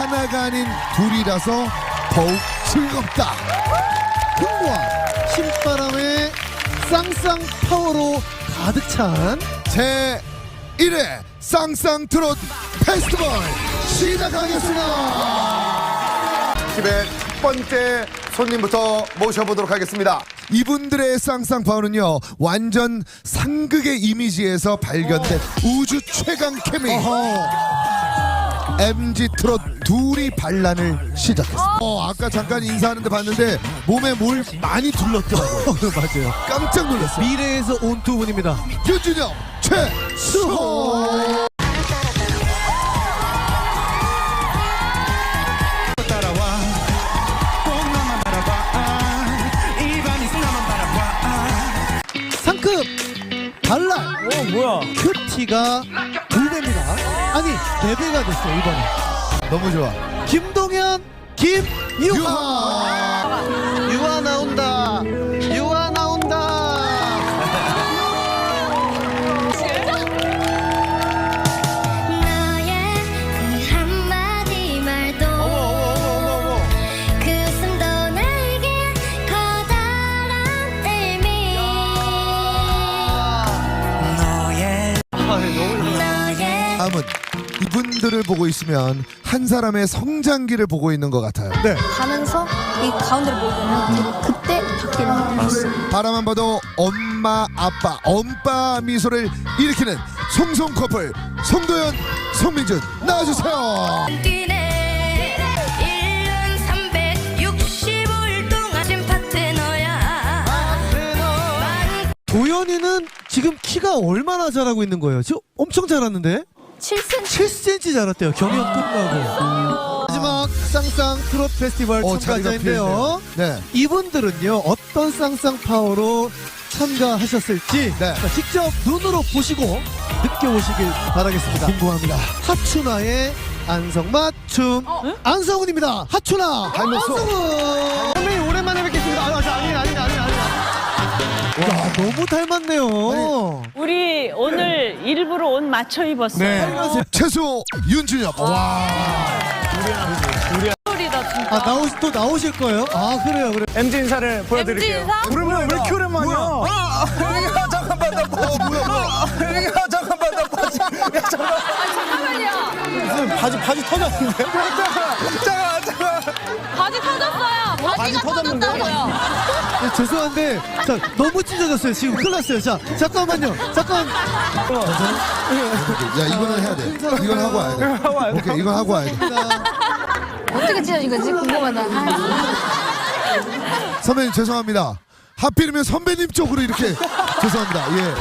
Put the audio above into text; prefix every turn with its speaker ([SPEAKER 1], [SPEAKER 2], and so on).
[SPEAKER 1] 하나가 아닌 둘이라서 더욱 즐겁다.
[SPEAKER 2] 흥과 신바람의 쌍쌍 파워로 가득 찬
[SPEAKER 1] 제 1회 쌍쌍 트롯 페스티벌 시작하겠습니다.
[SPEAKER 3] 집의 첫 번째 손님부터 모셔보도록 하겠습니다.
[SPEAKER 1] 이분들의 쌍쌍 파워는요, 완전 상극의 이미지에서 발견된 우주 최강 케미. MG 트롯 둘이 반란을 시작했어. 아까 잠깐 인사하는데 봤는데 몸에 뭘 많이 둘렀더라고요.
[SPEAKER 2] 맞아요.
[SPEAKER 1] 깜짝 놀랐어.
[SPEAKER 2] 미래에서 온 두 분입니다.
[SPEAKER 1] 윤준영, 최수호.
[SPEAKER 2] 상급 반란.
[SPEAKER 4] 뭐야?
[SPEAKER 2] 큐티가 2배입니다. 아니 4배가 됐어요 이번에.
[SPEAKER 1] 너무 좋아.
[SPEAKER 2] 김동현, 김유하. 유하 나온다. 유하 나온다.
[SPEAKER 5] 너의 그 한마디 말도 그 숨도 나에게 커다란 의미 너의
[SPEAKER 1] 다음은 이분들을 보고 있으면 한 사람의 성장기를 보고 있는 것 같아요. 네.
[SPEAKER 5] 가면서 이 가운데를 보이면 그때 바뀌는 거예요.
[SPEAKER 1] 바라만 봐도 엄마 아빠 엄빠 미소를 일으키는 송송 커플 송도연 송민준 나와주세요.
[SPEAKER 5] 뛰네 1년 365일 동안 진 파트너야
[SPEAKER 2] 도현이는 지금 키가 얼마나 자라고 있는 거예요? 지금 엄청 자랐는데?
[SPEAKER 5] 7cm
[SPEAKER 2] 7cm 자랐대요. 경연 끝나고. 마지막 쌍쌍 트롯 페스티벌 참가자인데요.
[SPEAKER 1] 네.
[SPEAKER 2] 이분들은요 어떤 쌍쌍 파워로 참가하셨을지
[SPEAKER 1] 네.
[SPEAKER 2] 자, 직접 눈으로 보시고 느껴보시길 바라겠습니다.
[SPEAKER 1] 궁금합니다.
[SPEAKER 2] 하춘아의 안성맞춤 안성훈입니다. 하춘아
[SPEAKER 1] 닮았어.
[SPEAKER 2] 안성훈 선배님 오랜만에 뵙겠습니다. 아니 와 너무 닮았네요.
[SPEAKER 4] 우리 오늘 일부러 옷 맞춰 입었어요.
[SPEAKER 1] 최수 윤준혁. 와.
[SPEAKER 4] 소리다 진짜.
[SPEAKER 2] 아 또 나오실 거예요? 아 그래요.
[SPEAKER 6] MG 인사를 보여드릴게요. 오랜만에 왜 이렇게 오랜만이야? 야 잠깐만 나 바지. 야 잠깐만 나 바지. 야 잠깐만요. 바지 터졌는데? 잠깐.
[SPEAKER 4] 바지 터졌어요. 바지가 터졌다고요.
[SPEAKER 2] 네, 죄송한데 자 너무 찢어졌어요. 지금 큰일 났어요. 자 잠깐만요. 잠깐.
[SPEAKER 1] 야 이거는 해야 돼. 이건 하고 와야 돼. 오케이 이건 하고 와야 돼.
[SPEAKER 5] 어떻게 찢어진 거지? 궁금하다.
[SPEAKER 1] 선배님 죄송합니다. 하필이면 선배님 쪽으로 이렇게 죄송합니다. 예.